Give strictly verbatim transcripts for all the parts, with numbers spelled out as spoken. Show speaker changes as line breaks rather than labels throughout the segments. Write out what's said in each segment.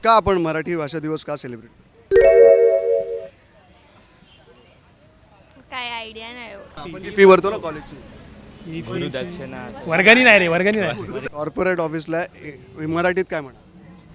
का आपण मराठी भाषा दिवस का सेलिब्रेट?
काय आयडिया नाही हो.
आपण जी फी भरतो ना कॉलेजची,
गुरुदक्षिणा
वर्गणी नाही रे वर्गणी नाही.
कॉर्पोरेट ऑफिसला ए- मराठीत काय म्हणा?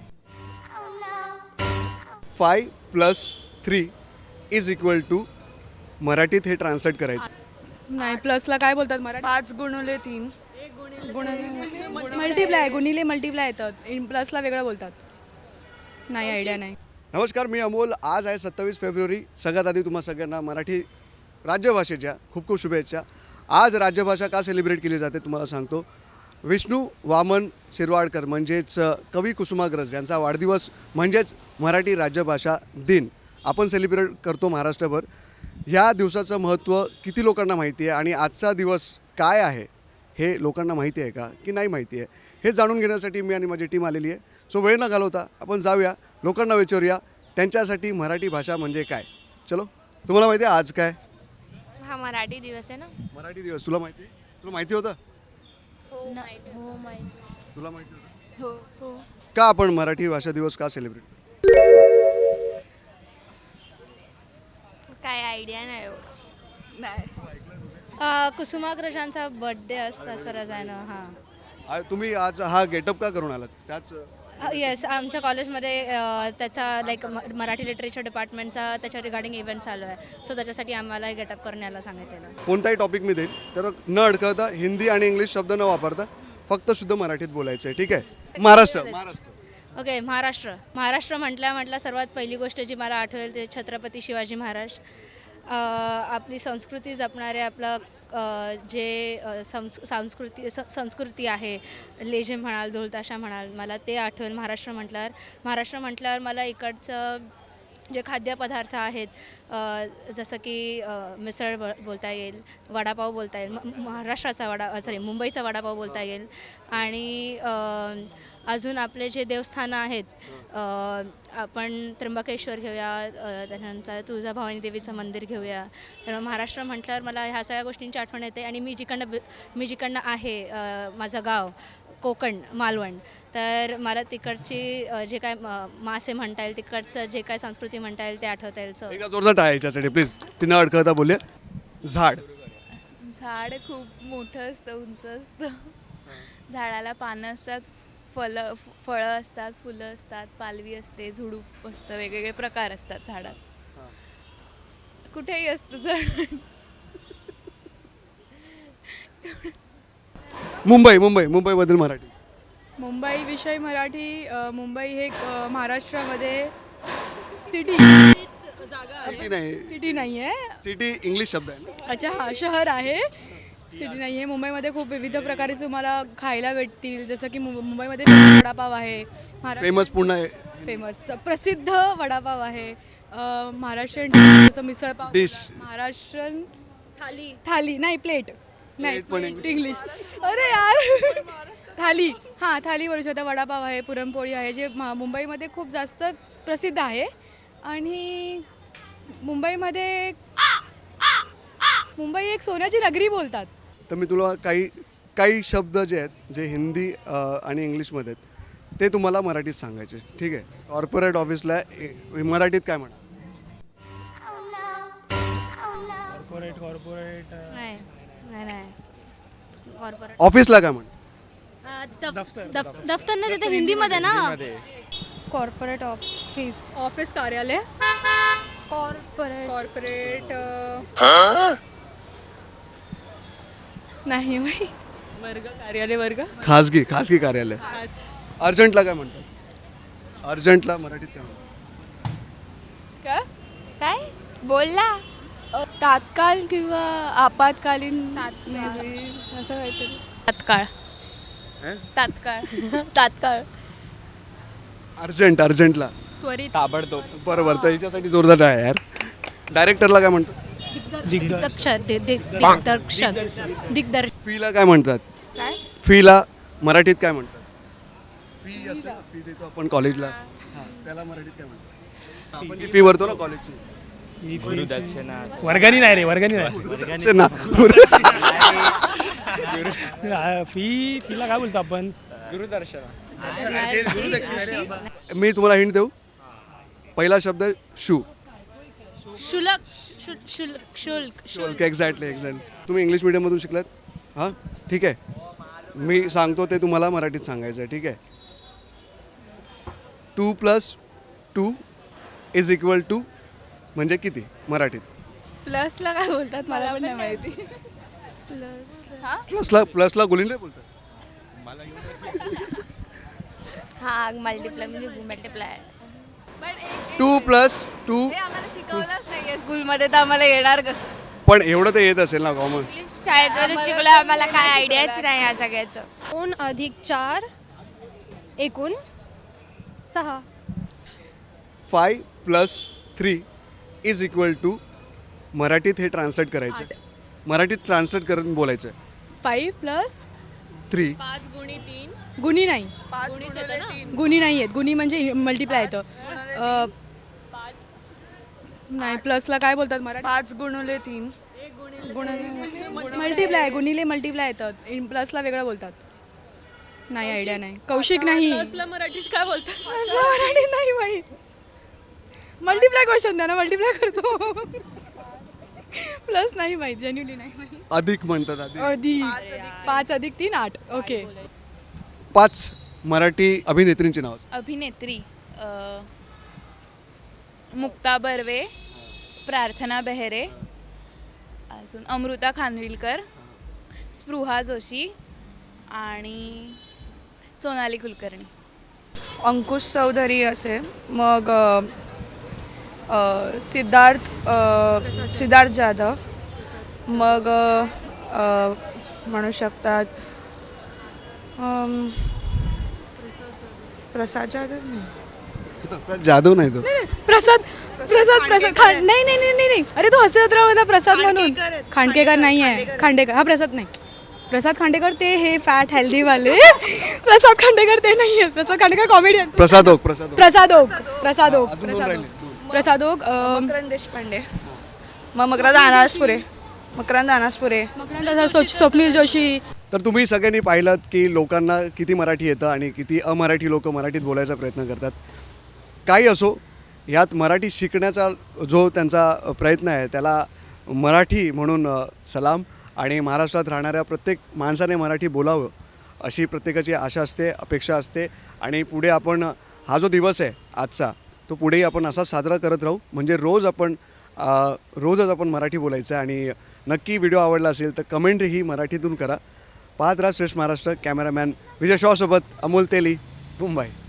Five plus three is equal to, मराठीत हे ट्रान्सलेट करायचं.
नाही प्लसला काय बोलतात मराठी?
पाच गुणुले तीन
मल्टिप्लाय गुणिले मल्टिप्लाय येतात. इन प्लसला वेगळं बोलतात. नाही आयडिया नाही.
नमस्कार, मी अमोल. आज आहे सत्तावीस फेब्रुवारी. सगळ्यात आधी तुम्हा सगळ्यांना मराठी राज्यभाषेच्या खूप खूप शुभेच्छा. आज राज्यभाषा का सेलिब्रेट केली जाते तुम्हाला सांगतो. विष्णू वामन शिरवाडकर म्हणजेच कवी कुसुमाग्रज यांचा वाढदिवस म्हणजेच मराठी राज्यभाषा दिन आपण सेलिब्रेट करतो महाराष्ट्रभर. ह्या दिवसाचं महत्त्व किती लोकांना माहिती आहे आणि आजचा दिवस काय आहे हे लोकांना माहिती आहे का की नाही माहिती आहे, हे जाणून घेण्यासाठी मी आणि माझी टीम आलेली आहे. सो वेळ न घालवता आपण जाऊया, लोकांना विचारूया त्यांच्यासाठी मराठी भाषा म्हणजे काय. चलो, तुम्हाला माहिती आहे आज काय?
हा मराठी दिवस आहे ना.
मराठी दिवस तुला माहिती आहे? तुला माहिती होतं?
हो माहिती.
तुला माहिती होतं?
हो हो
का आपण मराठी भाषा दिवस का सेलिब्रेट?
काय आयडिया नाही हो.
नाही.
कुसुमाग्रजांचा बर्थडे असता स्वराज आहे ना. हां
आ- तुम्ही आज हा गेटअप का करून आलात? त्याच
येस, आमच्या कॉलेजमध्ये अ, त्याचा लाईक मराठी लिटरेचर डिपार्टमेंटचा त्याच्या रिगार्डिंग इव्हेंट चालू आहे. सो त्याच्यासाठी आम्हाला गेटअप करण्याला सांगितलेलं.
कोणताही टॉपिक मी देईन तर न अडकळता हिंदी आणि इंग्लिश शब्द न वापरता फक्त शुद्ध मराठीत बोलायचं आहे. ठीक आहे? महाराष्ट्र महाराष्ट्र
ओके, महाराष्ट्र. महाराष्ट्र म्हटल्या म्हटल्या सर्वात पहिली गोष्ट जी मला आठवेल ते छत्रपती शिवाजी महाराज. अ, आपली संस्कृती जपणारे, आपलं अ, जे अ, संस सांस्कृती स संस्कृती आहे, लेझे म्हणाल, ढोलताशा म्हणाल, मला ते आठवेल महाराष्ट्र म्हटल्यावर. महाराष्ट्र म्हटल्यावर मला इकडचं जे खाद्यपदार्थ आहेत, अ, जसं की अ, मिसळ ब बोलता येईल, वडापाव बोलता येईल, म महाराष्ट्राचा वडा सॉरी मुंबईचा वडापाव बोलता येईल. आणि अ, अजून आपले जे देवस्थानं आहेत, अ, आपण त्र्यंबकेश्वर घेऊया, अ, त्यानंतर तुळजाभवानी देवीचं मंदिर घेऊया. तर महाराष्ट्र म्हटल्यावर मला ह्या सगळ्या गोष्टींची आठवण येते. आणि मी जिकडनं ब मी जिकडनं आहे, अ, माझं गाव कोकण, मालवण, तर मला तिकडची अ, जे काय म मासे म्हणता येईल, तिकडचं जे काय संस्कृती म्हणता येईल ते आठवता येईल. सो
एका जोरदार टाळ्या याच्यासाठी प्लीज. ती न अडकळता बोलूया. झाड.
झाड खूप मोठं असतं, उंच असतं. झाडाला पानं असतात, फलं फळं असतात, फुलं असतात, पालवी असते, झुडूप असतं, वेगवेगळे प्रकार असतात झाडात. कुठेही असतं झाड.
मुंबई मुंबई मुंबईमधील मराठी.
मुंबई विषय मराठी. अ, मुंबई हे एक, अ, महाराष्ट्रामध्ये सिटी
सिटी नाही,
सिटी नाही आहे.
सिटी इंग्लिश शब्द आहे ना.
अच्छा, हां, शहर आहे, सिटी नाही आहे. मुंबईमध्ये खूप विविध प्रकारे तुम्हाला खायला भेटतील. जसं की मुं मुंबईमध्ये फेमस वडापाव आहे.
फेमस पुन्हा आहे.
फेमस प्रसिद्ध वडापाव आहे. अ, महाराष्ट्रीयन dish जसं मिसळपाव
Dish.
बोलतात. महाराष्ट्रीयन थाली थाली नाही प्लेट नाही
Plate पण
प्लेट इंग्लिश. अरे यार, थाली. हां, थाली बोलू शकता. वडापाव आहे, पुरणपोळी आहे, जे म- मुंबईमध्ये खूप जास्त प्रसिद्ध आहे. आणि मुंबईमध्ये मुंबई एक सोन्याची नगरी बोलतात.
तर मी तुला काही काही शब्द जे आहेत जे हिंदी अ, आणि इंग्लिशमध्ये आहेत ते तुम्हाला मराठीत सांगायचे. ठीक आहे? कॉर्पोरेट ऑफिसला ए- मराठीत काय म्हणा?
कॉर्पोरेट कॉर्पोरेट
नाही नाही नाही कॉर्पोरेट
ऑफिसला काय म्हणा?
दफ्तर नाही, तिथे हिंदीमध्ये ना.
Corporate office.
ऑफिस कार्यालय.
कॉर्पोरेट
कॉर्पोरेट
नाही माहिती.
वर्ग कार्यालय वर्ग.
खाजगी खाजगी कार्यालय. अर्जंटला काय म्हणतात? अर्जंटला मराठीत काय म्हणतात?
काय बोलला?
तात्काळ किंवा आपत्कालीन maybe असं काहीतरी.
तात्काळ.
हे?
तात्काळ. तात्काळ.
अर्जंट अर्जंटला
त्वरित.
ताबडतोब.
बरोबर. तर याच्यासाठी जोरदार आहे यार. डायरेक्टरला काय म्हणतात?
दिग्दर्शक दि- दि- दिग्दर्शक दिग्दर्शक
फीला काय म्हणतात?
काय?
फीला मराठीत काय म्हणतात? फी असेल ना, फी देतो आपण कॉलेजला. हां, त्याला मराठीत काय म्हणतात? आपण जी फी भरतो ना कॉलेजची.
गुरुदक्षिणा
वर्गणी नाही रे वर्गणी नाही.
असेल ना.
फी फीला काय बोलतो आपण?
गुरुदर्शना
मी तुम्हाला हिंट देऊ. पहिला शब्द शू.
शुल्क शु- शुल्क शुल्क
शुल्क. Exactly exact. तुम्ही इंग्लिश मिडियममधून शिकलात. हां ठीक आहे. मी सांगतो ते तुम्हाला मराठीत सांगायचं आहे. ठीक आहे. Two plus two is equal to म्हणजे किती मराठीत?
प्लसला काय बोलतात मला पण नाही माहिती.
प्लसला प्लसला गुलिंद्रे बोलतात.
हा मल्टिप्लाय म्हणजे मल्टिप्लाय.
To plus to.
आम्हाला शिकवलंच नाहीये स्कूलमध्ये तर आम्हाला येणार कसं.
पण एवढं तर येत असेल ना कॉमन.
इंग्लिश शाळेत शिकलं आम्हाला काय आयडियाच नाही या सगळ्याचं.
दोन अधिक चार एकूण सहा.
Five plus three is equal to मराठीत हे ट्रान्सलेट करायचं. मराठीत ट्रान्सलेट करून बोलायचं.
Five plus
three.
गुणी नाही. गुणी नाही आहेत. गुणी म्हणजे मल्टिप्लाय येतं. अ, नाही प्लसला काय बोलतात मराठी?
पाच गुणुले तीन
मल्टिप्लाय. गुणिले मल्टिप्लाय येतात. इन- प्लसला वेगळं बोलतात. नाही आयडिया नाही. कौशिक नाही.
मराठीत काय बोलतात?
प्लसला मराठी नाही माहीत. मल्टिप्लाय क्वेश्चन द्या ना. मल्टिप्लाय करतो. प्लस नाही माहीत. जेन्युअली नाही माहीत.
अधिक म्हणतात. अधिक.
अधिक. पाच अधिक तीन आठ. ओके.
पाच मराठी अभिनेत्रींची नाव.
अभिनेत्री अ, मुक्ता बर्वे, प्रार्थना बेहरे, अजून अमृता खानविलकर, स्पृहा जोशी आणि सोनाली कुलकर्णी.
अंकुश चौधरी असे. मग अ, अ, सिद्धार्थ अ, सिद्धार्थ जाधव. मग अ, अ, म्हणू शकतात अम, प्रसाद जाधव नाही.
जाधव नाही तो.
प्रसाद प्रसाद प्रसाद खान नाही नाही नाही नाही नाही. अरे तो हसे होता प्रसाद म्हणून. खांडकेकर नाही आहे. खांडेकर हा प्रसाद नाही. प्रसाद खांडेकर ते हे फॅट हेल्दी वाले. प्रसाद खांडेकर ते नाही आहेत. प्रसाद खांडेकर कॉमेडियन.
प्रसाद ओक. प्रसाद ओक.
प्रसाद ओक. प्रसाद ओक.
अजून दोन
प्रसाद
राहिले.
ओक. प्रसाद ओक. अं,
मकरंद देशपांडे. मग मकरंद अनासपुरे. मकरंद अनासपुरे.
मकरंद सो- स्वप्नील जोशी.
तर तुम्ही सगळ्यांनी पाहिलं की लोकांना किती मराठी येतं आणि किती अमराठी लोक मराठीत बोलायचा प्रयत्न करतात. काही असो, यात मराठी शिकण्याचा जो त्यांचा प्रयत्न आहे त्याला मराठी म्हणून अ, सलाम. आणि महाराष्ट्रात राहणाऱ्या प्रत्येक माणसाने मराठी बोलावं अशी प्रत्येकाची आशा असते, अपेक्षा असते. आणि पुढे आपण हा जो दिवस आहे आजचा तो पुढेही आपण असाच साजरा करत राहू. म्हणजे रोज आपण अ, रोजच आपण मराठी बोलायचं. आणि नक्की व्हिडिओ आवडला असेल तर कमेंट ही मराठीतून करा. पाहत राहा श्रेष्ठ महाराष्ट्र. कॅमेरामॅन विजय शॉसोबत अमोल तेली, मुंबई.